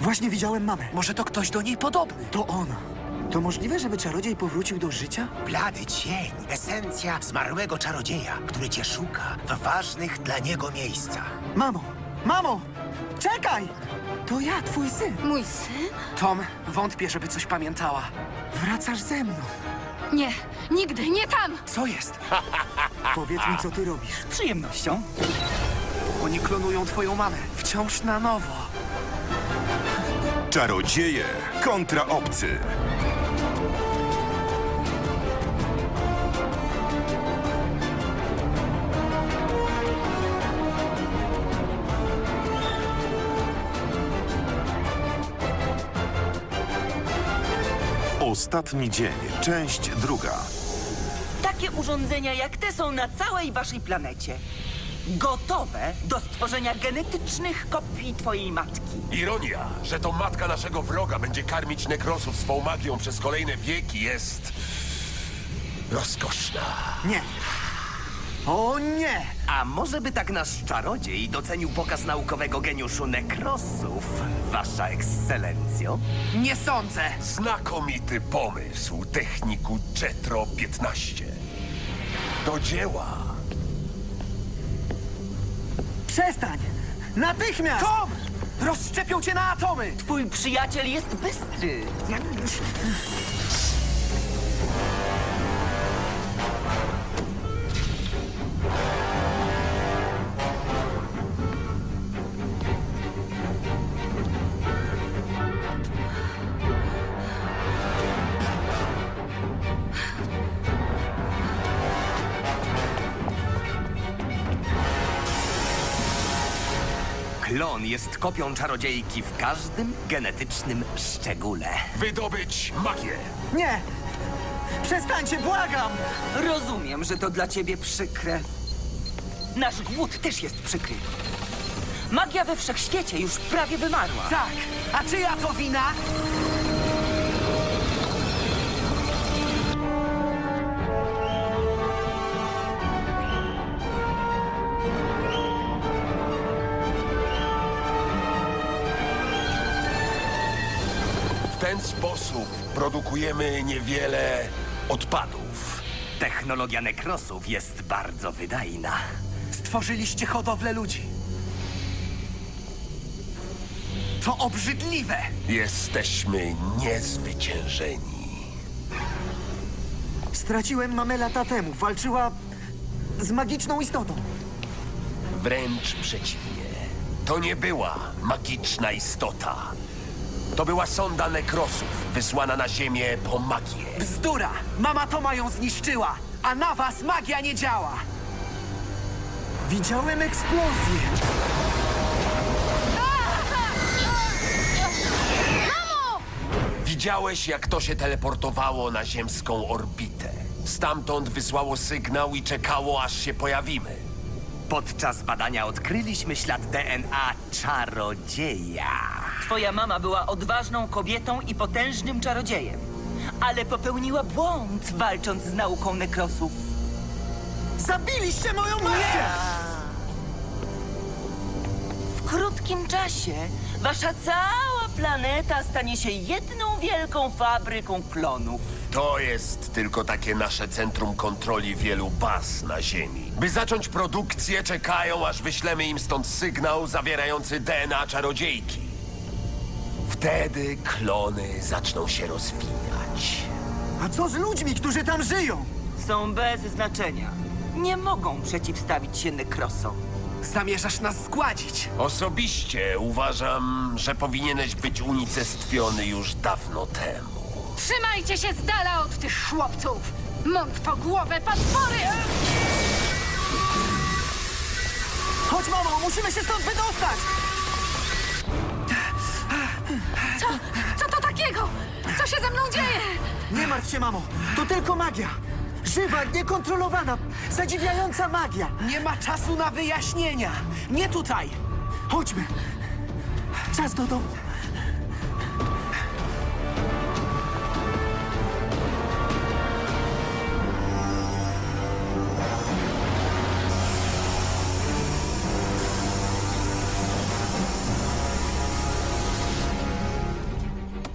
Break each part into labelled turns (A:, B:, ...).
A: Właśnie widziałem mamę.
B: Może to ktoś do niej podobny.
A: To ona. To możliwe, żeby czarodziej powrócił do życia?
C: Blady cień, esencja zmarłego czarodzieja, który cię szuka w ważnych dla niego miejscach.
A: Mamo! Mamo! Czekaj! To ja, twój syn.
D: Mój syn?
B: Tom, wątpię, żeby coś pamiętała.
A: Wracasz ze mną.
D: Nie, nigdy, nie tam!
B: Co jest?
A: Powiedz mi, co ty robisz.
B: Z przyjemnością. Oni klonują twoją mamę. Wciąż na nowo.
E: Czarodzieje kontra obcy. Ostatni dzień, część druga.
F: Takie urządzenia jak te są na całej waszej planecie. Gotowe do stworzenia genetycznych kopii twojej matki.
G: Ironia, że to matka naszego wroga będzie karmić nekrosów swą magią przez kolejne wieki jest... rozkoszna.
A: Nie. O nie!
H: A może by tak nasz czarodziej docenił pokaz naukowego geniuszu nekrosów, wasza ekscelencjo?
B: Nie sądzę.
G: Znakomity pomysł, techniku Jetro 15. Do dzieła.
A: Przestań! Natychmiast!
B: Tom! Rozszczepią cię na atomy!
F: Twój przyjaciel jest bystry.
H: Klon jest kopią czarodziejki w każdym genetycznym szczególe.
G: Wydobyć magię.
A: Nie! Przestańcie, błagam!
F: Rozumiem, że to dla ciebie przykre. Nasz głód też jest przykry. Magia we wszechświecie już prawie wymarła.
B: Tak, a czyja to wina?
G: W ten sposób produkujemy niewiele odpadów.
H: Technologia nekrosów jest bardzo wydajna.
B: Stworzyliście hodowlę ludzi. To obrzydliwe!
G: Jesteśmy niezwyciężeni.
A: Straciłem mamę lata temu. Walczyła z magiczną istotą.
G: Wręcz przeciwnie. To nie była magiczna istota. To była sonda nekrosów, wysłana na Ziemię po magię.
B: Bzdura! Mama Toma ją zniszczyła, a na was magia nie działa!
A: Widziałem eksplozję.
G: Widziałeś, jak to się teleportowało na ziemską orbitę. Stamtąd wysłało sygnał i czekało, aż się pojawimy.
H: Podczas badania odkryliśmy ślad DNA czarodzieja.
F: Twoja mama była odważną kobietą i potężnym czarodziejem. Ale popełniła błąd, walcząc z nauką nekrosów.
A: Zabiliście moją matkę!
F: W krótkim czasie wasza cała planeta stanie się jedną wielką fabryką klonów.
G: To jest tylko takie nasze centrum kontroli wielu baz na Ziemi. By zacząć produkcję, czekają, aż wyślemy im stąd sygnał zawierający DNA czarodziejki. Wtedy klony zaczną się rozwijać.
A: A co z ludźmi, którzy tam żyją?
F: Są bez znaczenia. Nie mogą przeciwstawić się nekrosom.
B: Zamierzasz nas zgładzić.
G: Osobiście uważam, że powinieneś być unicestwiony już dawno temu.
D: Trzymajcie się z dala od tych chłopców! Mąd po głowę, potwory!
A: Chodź, mamo, musimy się stąd wydostać!
D: Co to takiego? Co się ze mną dzieje?
A: Nie martw się, mamo. To tylko magia. Żywa, niekontrolowana, zadziwiająca magia.
B: Nie ma czasu na wyjaśnienia. Nie tutaj.
A: Chodźmy. Czas do domu.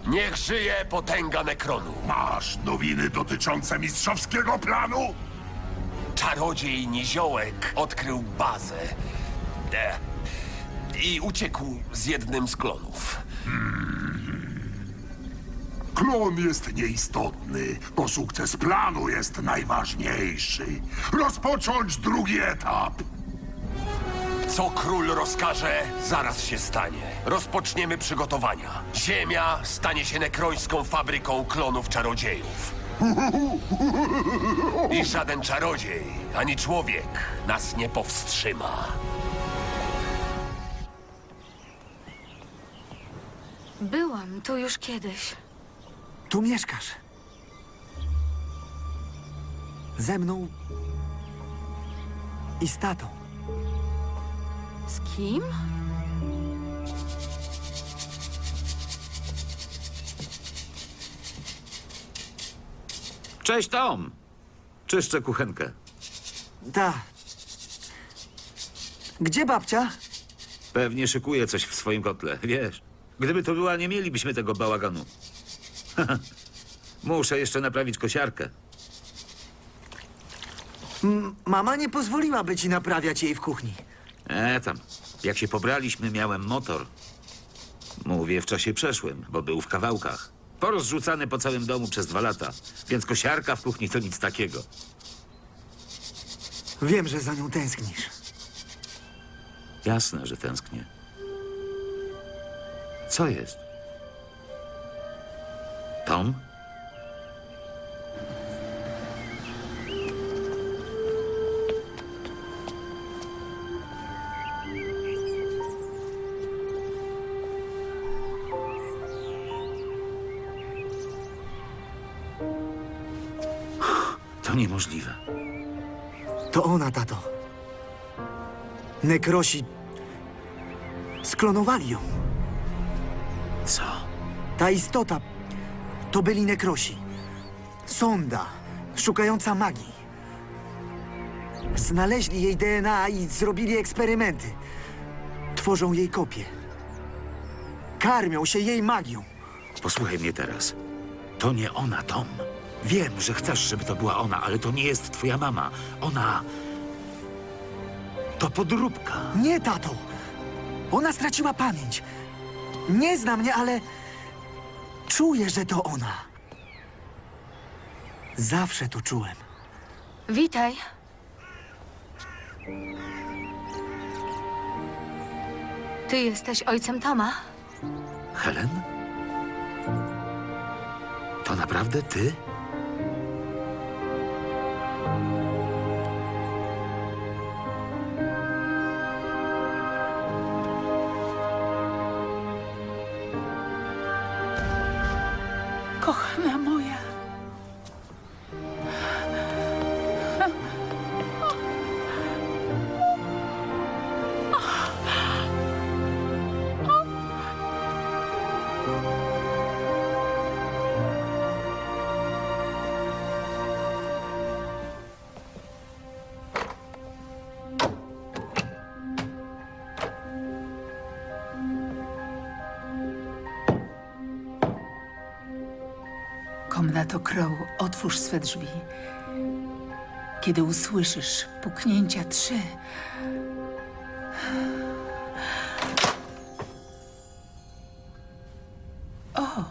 G: Niech żyje potęga Nekronu.
I: Masz nowiny dotyczące mistrzowskiego planu?
G: Czarodziej Niziołek odkrył bazę. I uciekł z jednym z klonów.
I: Klon jest nieistotny, bo sukces planu jest najważniejszy. Rozpocząć drugi etap.
G: Co król rozkaże, zaraz się stanie. Rozpoczniemy przygotowania. Ziemia stanie się nekrońską fabryką klonów czarodziejów. I żaden czarodziej, ani człowiek nas nie powstrzyma.
D: Byłam tu już kiedyś.
A: Tu mieszkasz. Ze mną i z tatą.
D: Z kim?
J: Cześć, Tom! Czyszczę kuchenkę.
A: Ta. Gdzie babcia?
J: Pewnie szykuje coś w swoim kotle, wiesz. Gdyby to była, nie mielibyśmy tego bałaganu. Muszę jeszcze naprawić kosiarkę.
A: Mama nie pozwoliłaby ci naprawiać jej w kuchni.
J: Tam. Jak się pobraliśmy, miałem motor. Mówię w czasie przeszłym, bo był w kawałkach. Porozrzucany po całym domu przez 2 lata. Więc kosiarka w kuchni to nic takiego.
A: Wiem, że za nią tęsknisz.
J: Jasne, że tęsknię. Co jest? Tom? To niemożliwe.
A: To ona, tato. Nekrosi sklonowali ją.
J: Co?
A: Ta istota to byli nekrosi. Sonda, szukająca magii. Znaleźli jej DNA i zrobili eksperymenty. Tworzą jej kopie. Karmią się jej magią.
J: Posłuchaj mnie teraz. To nie ona, Tom. Wiem, że chcesz, żeby to była ona, ale to nie jest twoja mama. Ona... To podróbka.
A: Nie, tato. Ona straciła pamięć. Nie zna mnie, ale czuję, że to ona. Zawsze to czułem.
D: Witaj. Ty jesteś ojcem Toma?
J: Helen? To naprawdę ty?
D: Kochana moja.
K: Komnato Crow, otwórz swe drzwi. Kiedy usłyszysz puknięcia 3... O!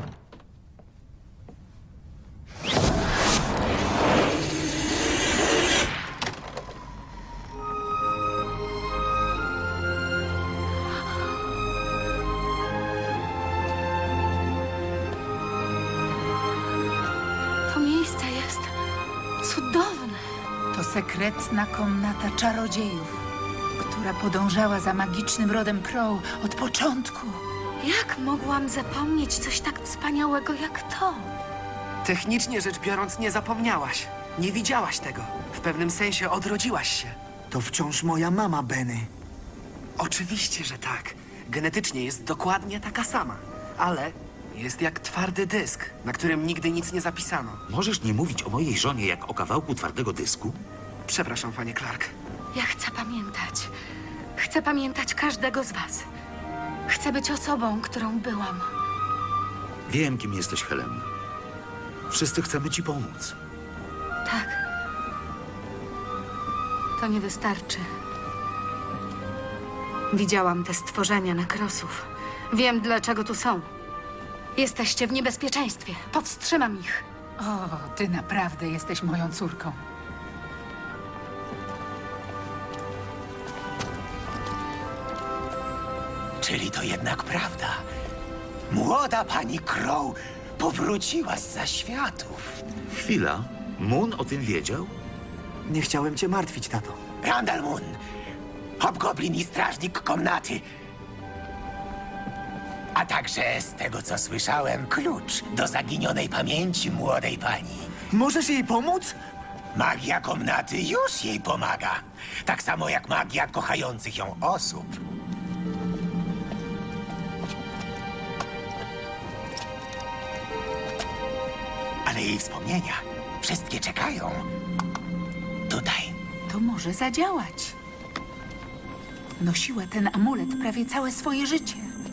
D: To miejsce jest cudowne.
K: To sekretna komnata czarodziejów, która podążała za magicznym rodem Crow od początku.
D: Jak mogłam zapomnieć coś tak wspaniałego jak to?
B: Technicznie rzecz biorąc, nie zapomniałaś. Nie widziałaś tego. W pewnym sensie odrodziłaś się.
A: To wciąż moja mama, Benny.
B: Oczywiście, że tak. Genetycznie jest dokładnie taka sama. Ale jest jak twardy dysk, na którym nigdy nic nie zapisano.
J: Możesz nie mówić o mojej żonie jak o kawałku twardego dysku?
B: Przepraszam, panie Clark.
D: Ja chcę pamiętać. Chcę pamiętać każdego z was. Chcę być osobą, którą byłam.
J: Wiem, kim jesteś, Helen. Wszyscy chcemy ci pomóc.
D: Tak. To nie wystarczy. Widziałam te stworzenia nekrosów. Wiem, dlaczego tu są. Jesteście w niebezpieczeństwie. Powstrzymam ich.
K: O, ty naprawdę jesteś moją córką.
C: Czyli to jednak prawda. Młoda pani Crow powróciła z zaświatów.
J: Chwila. Moon o tym wiedział?
A: Nie chciałem cię martwić, tato.
C: Randall Moon, hobgoblin i strażnik komnaty. A także, z tego co słyszałem, klucz do zaginionej pamięci młodej pani.
A: Możesz jej pomóc?
C: Magia komnaty już jej pomaga. Tak samo jak magia kochających ją osób. Ale jej wspomnienia wszystkie czekają tutaj.
K: To może zadziałać. Nosiła ten amulet prawie całe swoje życie.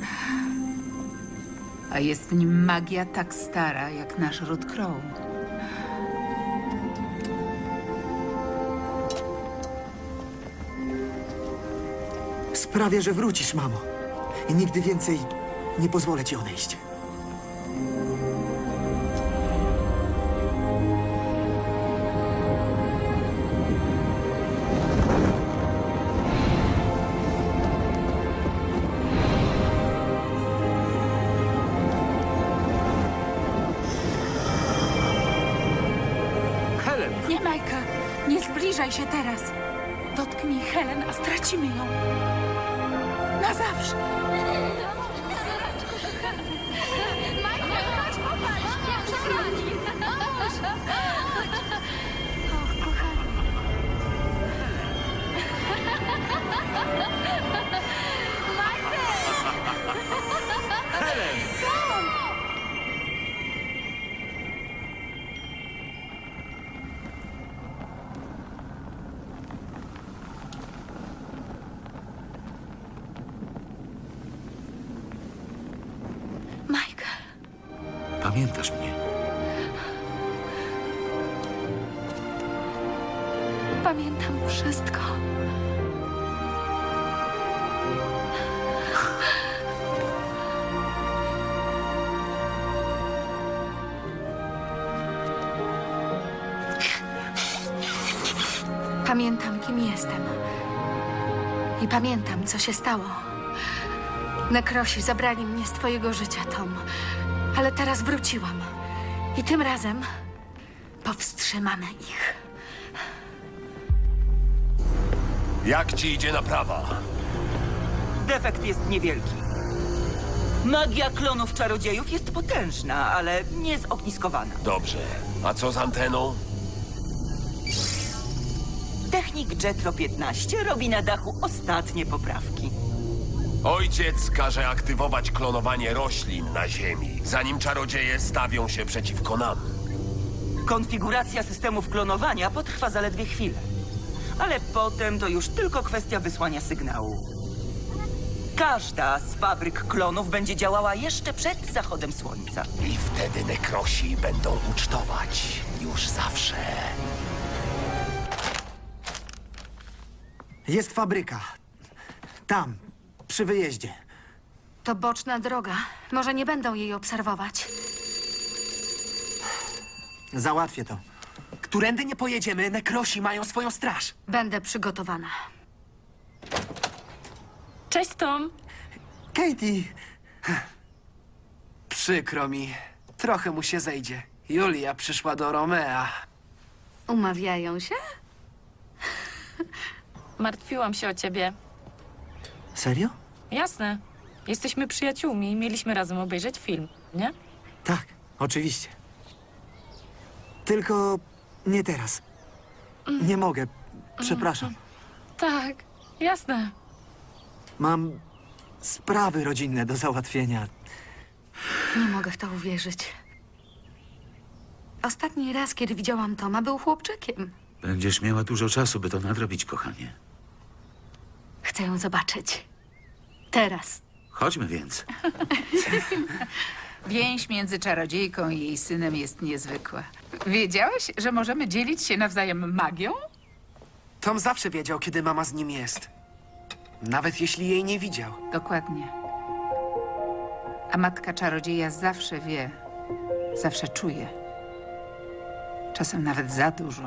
K: A jest w nim magia tak stara jak nasz ród Crow.
A: Sprawię, że wrócisz, mamo. I nigdy więcej nie pozwolę ci odejść.
B: Helen!
K: Nie, Majka, nie zbliżaj się teraz. Dotknij Helen, a stracimy ją. Na zawsze.
D: Michael,
J: Pamiętasz mnie?
D: pamiętam wszystko. Pamiętam, kim jestem. I pamiętam, co się stało. Nekrosi zabrali mnie z twojego życia, Tom. Ale teraz wróciłam. I tym razem powstrzymamy ich.
G: Jak ci idzie naprawa?
F: Defekt jest niewielki. Magia klonów czarodziejów jest potężna, ale nie zogniskowana.
G: Dobrze. A co z anteną?
F: Technik Jetro 15 robi na dachu ostatnie poprawki.
G: Ojciec każe aktywować klonowanie roślin na Ziemi, zanim czarodzieje stawią się przeciwko nam.
F: Konfiguracja systemów klonowania potrwa zaledwie chwilę. Ale potem to już tylko kwestia wysłania sygnału. Każda z fabryk klonów będzie działała jeszcze przed zachodem słońca.
G: I wtedy nekrosi będą ucztować już zawsze.
A: Jest fabryka. Tam, przy wyjeździe.
D: To boczna droga. Może nie będą jej obserwować.
A: Załatwię to.
B: Którędy nie pojedziemy, nekrosi mają swoją straż.
D: Będę przygotowana.
L: Cześć, Tom.
A: Katie!
B: Przykro mi. Trochę mu się zejdzie. Julia przyszła do Romea.
D: Umawiają się?
L: Martwiłam się o ciebie.
A: Serio?
L: Jasne. Jesteśmy przyjaciółmi i mieliśmy razem obejrzeć film, nie?
A: Tak, oczywiście. Tylko nie teraz. Nie mogę. Przepraszam.
L: Tak, jasne.
A: Mam sprawy rodzinne do załatwienia.
D: Nie mogę w to uwierzyć. Ostatni raz, kiedy widziałam Toma, był chłopczykiem.
J: Będziesz miała dużo czasu, by to nadrobić, kochanie.
D: Chcę ją zobaczyć. Teraz.
J: Chodźmy więc.
K: Więź między czarodziejką i jej synem jest niezwykła. Wiedziałeś, że możemy dzielić się nawzajem magią?
B: Tom zawsze wiedział, kiedy mama z nim jest. Nawet jeśli jej nie widział.
K: Dokładnie. A matka czarodzieja zawsze wie, zawsze czuje. Czasem nawet za dużo.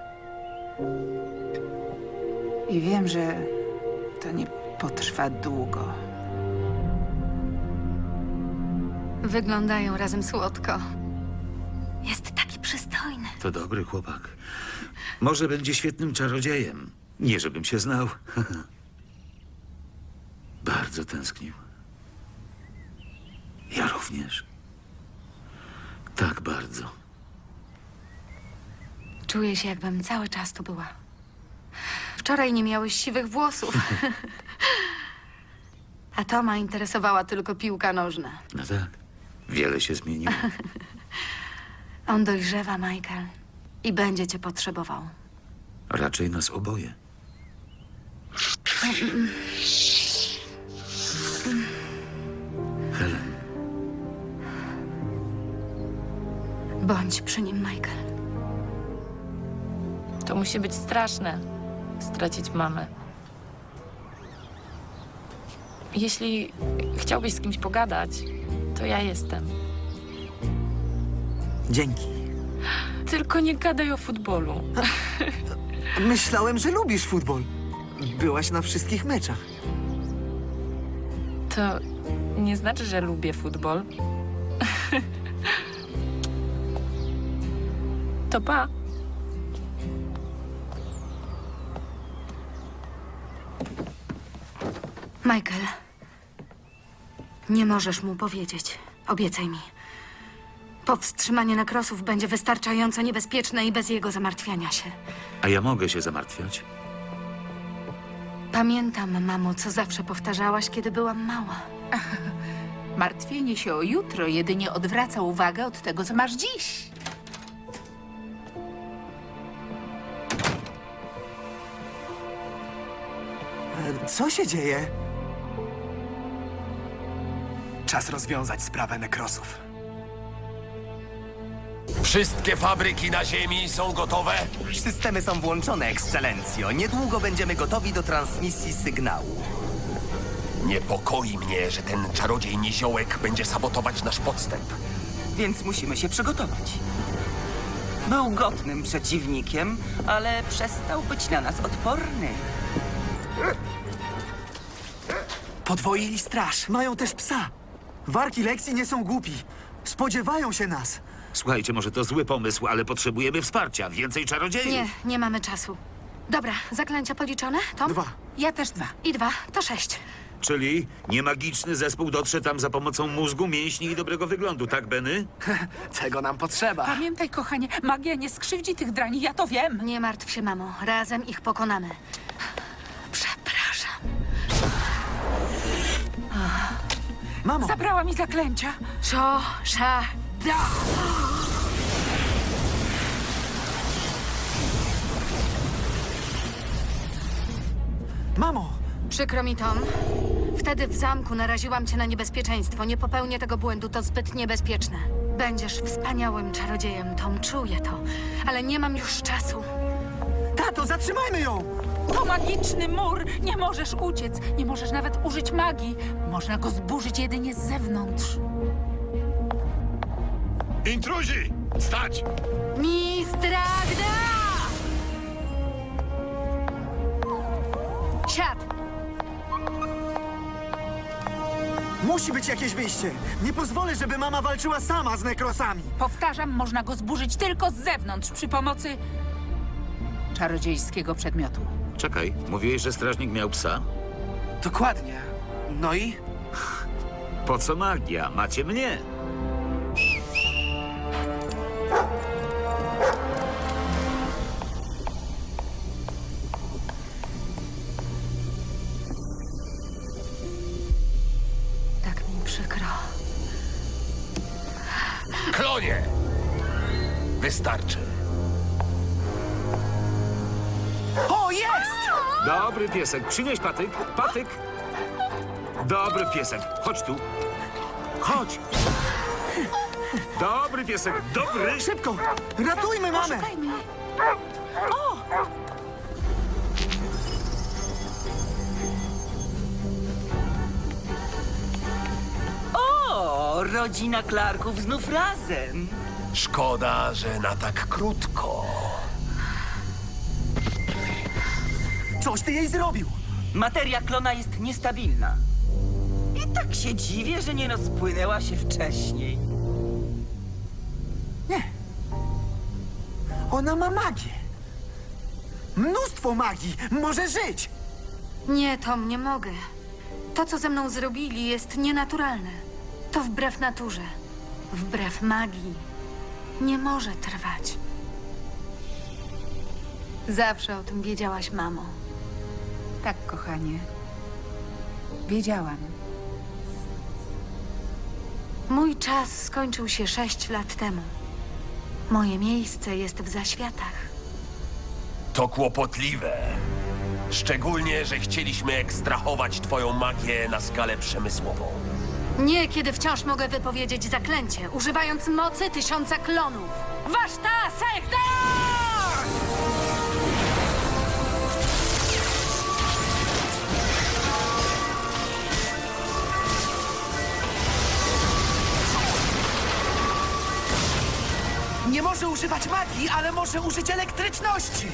K: I wiem, że to nie potrwa długo.
D: Wyglądają razem słodko. Jest taki przystojny.
J: To dobry chłopak. Może będzie świetnym czarodziejem. Nie, żebym się znał. Bardzo tęsknił. Ja również. Tak bardzo.
D: Czuję się, jakbym cały czas tu była. Wczoraj nie miałeś siwych włosów. A Toma interesowała tylko piłka nożna.
J: No tak. Wiele się zmieniło.
D: On dojrzewa, Michael. I będzie cię potrzebował.
J: Raczej nas oboje. Helen,
D: Bądź przy nim, Michael.
L: To musi być straszne, stracić mamę. Jeśli chciałbyś z kimś pogadać, to ja jestem.
A: Dzięki.
L: Tylko nie gadaj o futbolu.
A: Myślałem, że lubisz futbol. Byłaś na wszystkich meczach.
L: To nie znaczy, że lubię futbol. To pa.
D: Michael, nie możesz mu powiedzieć. Obiecaj mi. Powstrzymanie nekrosów będzie wystarczająco niebezpieczne i bez jego zamartwiania się.
J: a ja mogę się zamartwiać?
D: Pamiętam, mamo, co zawsze powtarzałaś, kiedy byłam mała.
K: Martwienie się o jutro jedynie odwraca uwagę od tego, co masz dziś.
A: Co się dzieje?
B: Czas rozwiązać sprawę nekrosów.
G: Wszystkie fabryki na Ziemi są gotowe?
H: Systemy są włączone, ekscelencjo. Niedługo będziemy gotowi do transmisji sygnału.
G: Niepokoi mnie, że ten czarodziej Niziołek będzie sabotować nasz podstęp.
F: Więc musimy się przygotować. Był godnym przeciwnikiem, ale przestał być na nas odporny.
B: Podwoili straż.
A: Mają też psa. Warki Lexi nie są głupi. Spodziewają się nas.
J: Słuchajcie, może to zły pomysł, ale potrzebujemy wsparcia. Więcej czarodziejów.
D: Nie, nie mamy czasu. Dobra, zaklęcia policzone, Tom?
A: 2.
K: Ja też 2.
D: I 2 to 6.
J: Czyli niemagiczny zespół dotrze tam za pomocą mózgu, mięśni i dobrego wyglądu, tak, Benny?
B: Tego nam potrzeba.
K: Pamiętaj, kochanie, magia nie skrzywdzi tych drani, ja to wiem.
D: Nie martw się, mamo. Razem ich pokonamy. Przepraszam.
A: Mamo,
K: Zabrała mi zaklęcia.
D: Da!
A: mamo!
D: Przykro mi, Tom. Wtedy w zamku naraziłam cię na niebezpieczeństwo. Nie popełnię tego błędu, to zbyt niebezpieczne. Będziesz wspaniałym czarodziejem, Tom, czuję to. Ale nie mam już czasu.
A: Tato, zatrzymajmy ją!
K: To magiczny mur. Nie możesz uciec. Nie możesz nawet użyć magii. Można go zburzyć jedynie z zewnątrz.
I: Intruzi! Stać!
D: Mistragda! Siad!
A: Musi być jakieś wyjście. Nie pozwolę, żeby mama walczyła sama z nekrosami.
K: Powtarzam, można go zburzyć tylko z zewnątrz przy pomocy czarodziejskiego przedmiotu.
J: Czekaj, mówiłeś, że strażnik miał psa?
B: Dokładnie. No i?
J: Po co magia? Macie mnie.
D: Tak mi przykro.
G: Klonie! Wystarczy.
B: O, jest!
J: Dobry piesek. Przynieś patyk. Patyk. Dobry piesek. Chodź tu. Chodź. Dobry piesek, dobry!
A: Szybko! Ratujmy mamę!
K: Szukajmy.
F: O, rodzina Clarków znów razem.
G: Szkoda, że na tak krótko.
A: Coś ty jej zrobił!
F: Materia klona jest niestabilna. I tak się dziwię, że nie rozpłynęła się wcześniej.
A: Nie. Ona ma magię. Mnóstwo magii! Może żyć!
D: Nie, Tom, nie mogę. To, co ze mną zrobili, jest nienaturalne. To wbrew naturze. Wbrew magii. Nie może trwać. Zawsze o tym wiedziałaś, mamo.
K: Tak, kochanie. Wiedziałam.
D: Mój czas skończył się 6 lat temu. Moje miejsce jest w zaświatach.
G: To kłopotliwe. Szczególnie, że chcieliśmy ekstrahować twoją magię na skalę przemysłową.
D: Nie, kiedy wciąż mogę wypowiedzieć zaklęcie, używając mocy 1000 klonów. Waszta Sektor!
B: Nie może używać magii, ale może użyć elektryczności!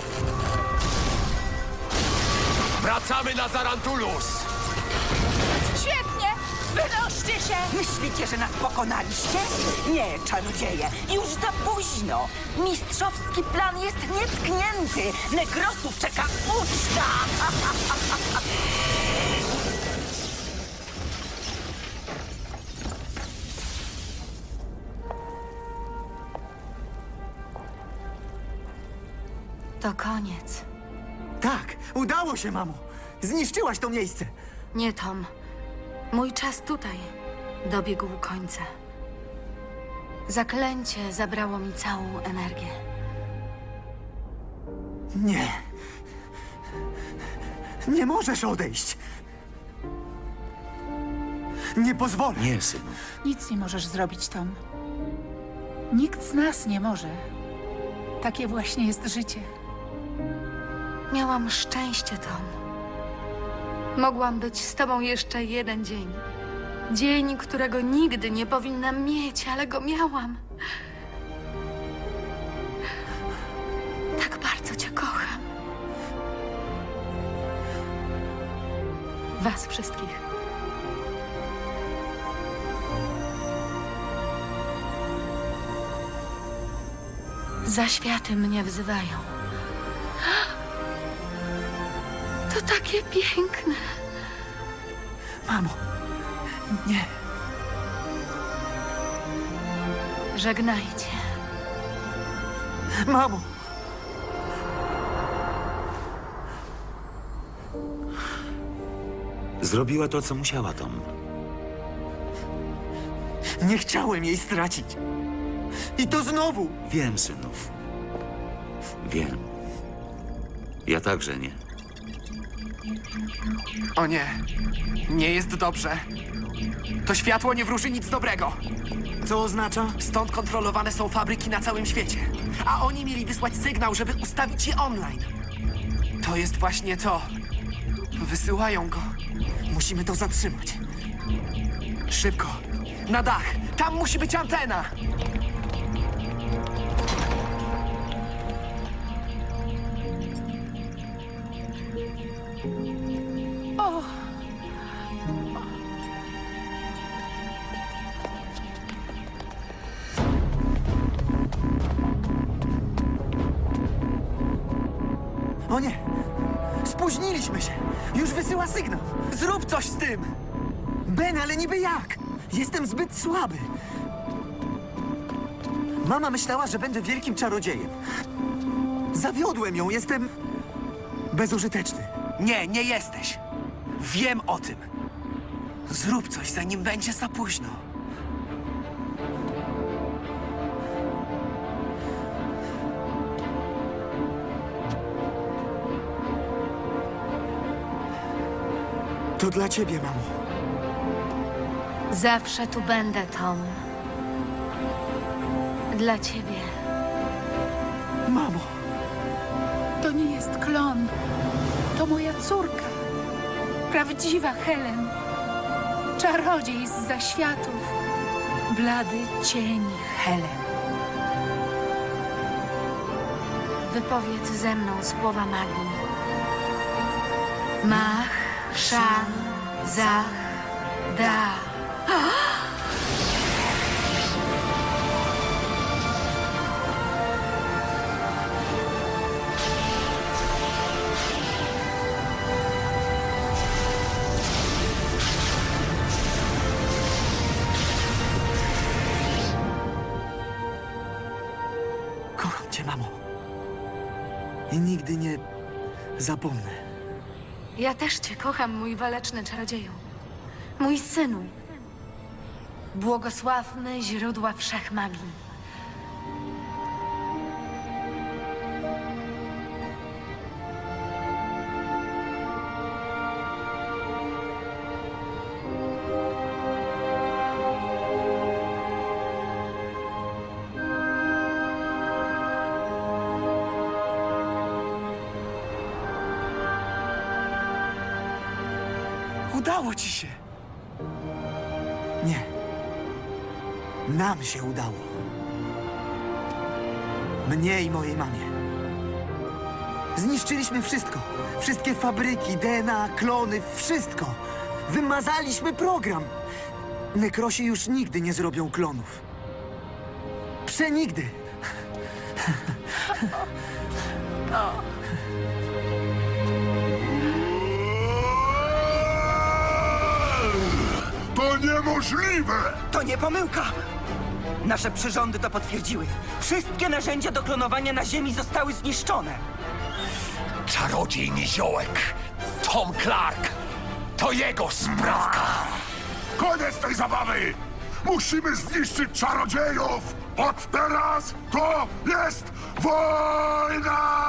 G: Wracamy na Zarantulus!
K: Świetnie! Wynoście się!
F: Myślicie, że nas pokonaliście? Nie, czarodzieje, już za późno. Mistrzowski plan jest nietknięty. Nekrosów czeka uczta!
D: To koniec.
A: Tak, udało się, mamo! Zniszczyłaś to miejsce!
D: Nie, Tom. Mój czas tutaj dobiegł końca. Zaklęcie zabrało mi całą energię.
A: Nie. Nie możesz odejść. Nie pozwolę.
J: Nie, synu.
K: Nic nie możesz zrobić, Tom. Nikt z nas nie może. Takie właśnie jest życie.
D: Miałam szczęście, Tom. Mogłam być z tobą jeszcze jeden dzień. Dzień, którego nigdy nie powinnam mieć, ale go miałam. Tak bardzo cię kocham. Was wszystkich. Zaświaty mnie wzywają. To takie piękne.
A: Mamo, nie.
D: Żegnajcie.
A: Mamo!
J: Zrobiła to, co musiała, Tom.
A: Nie chciałem jej stracić. I to znowu!
J: Wiem, synów. Wiem. Ja także nie.
B: O nie, nie jest dobrze. To światło nie wróży nic dobrego.
A: Co oznacza?
B: Stąd kontrolowane są fabryki na całym świecie. A oni mieli wysłać sygnał, żeby ustawić je online. To jest właśnie to. Wysyłają go.
A: Musimy to zatrzymać.
B: Szybko. Na dach. Tam musi być antena.
A: O nie! Spóźniliśmy się! Już wysyła sygnał!
B: Zrób coś z tym.
A: Ben, ale niby jak? Jestem zbyt słaby. Mama myślała, że będę wielkim czarodziejem. Zawiodłem ją, jestem bezużyteczny.
B: Nie, nie jesteś. Wiem o tym. Zrób coś, zanim będzie za późno.
A: To dla ciebie, mamo.
D: Zawsze tu będę, Tom. Dla ciebie.
A: Mamo,
K: To nie jest klon. To moja córka. Prawdziwa Helen. Czarodziej z zaświatów. Blady cień Helen.
D: Wypowiedz ze mną słowa magii. Mach, szan, zach, da.
A: kocham cię, mamo. I nigdy nie zapomnę.
D: Ja też cię kocham, mój waleczny czarodzieju. Mój synu. Błogosławny źródła wszechmagii.
A: Udało ci się! Nie. Nam się udało. Mnie i mojej mamie. Zniszczyliśmy wszystko. Wszystkie fabryki, DNA, klony, wszystko. Wymazaliśmy program. Nekrosi już nigdy nie zrobią klonów. Przenigdy.
I: To niemożliwe!
F: To nie pomyłka! Nasze przyrządy to potwierdziły. Wszystkie narzędzia do klonowania na Ziemi zostały zniszczone.
G: Czarodziej Niziołek, Tom Clark, to jego sprawka.
I: Koniec tej zabawy! Musimy zniszczyć czarodziejów! Od teraz to jest wojna!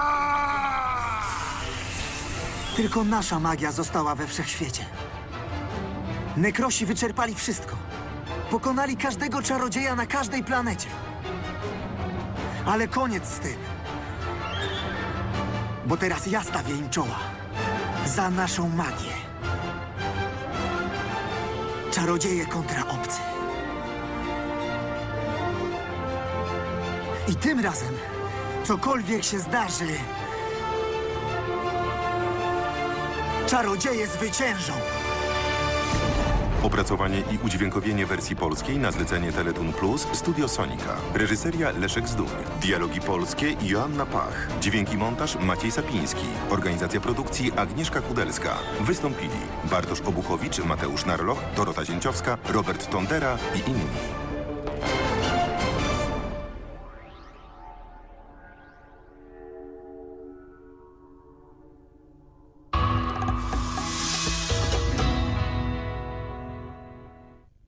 A: Tylko nasza magia została we wszechświecie. Nekrosi wyczerpali wszystko. Pokonali każdego czarodzieja na każdej planecie. Ale koniec z tym. Bo teraz ja stawię im czoła. Za naszą magię. Czarodzieje kontra obcy. I tym razem, cokolwiek się zdarzy, czarodzieje zwyciężą.
E: Opracowanie i udźwiękowienie wersji polskiej na zlecenie Teletoon Plus Studio Sonika. Reżyseria Leszek Zduń. Dialogi polskie Joanna Pach. Dźwięki montaż Maciej Sapiński. Organizacja produkcji Agnieszka Kudelska. Wystąpili Bartosz Obuchowicz, Mateusz Narloch, Dorota Zięciowska, Robert Tondera i inni.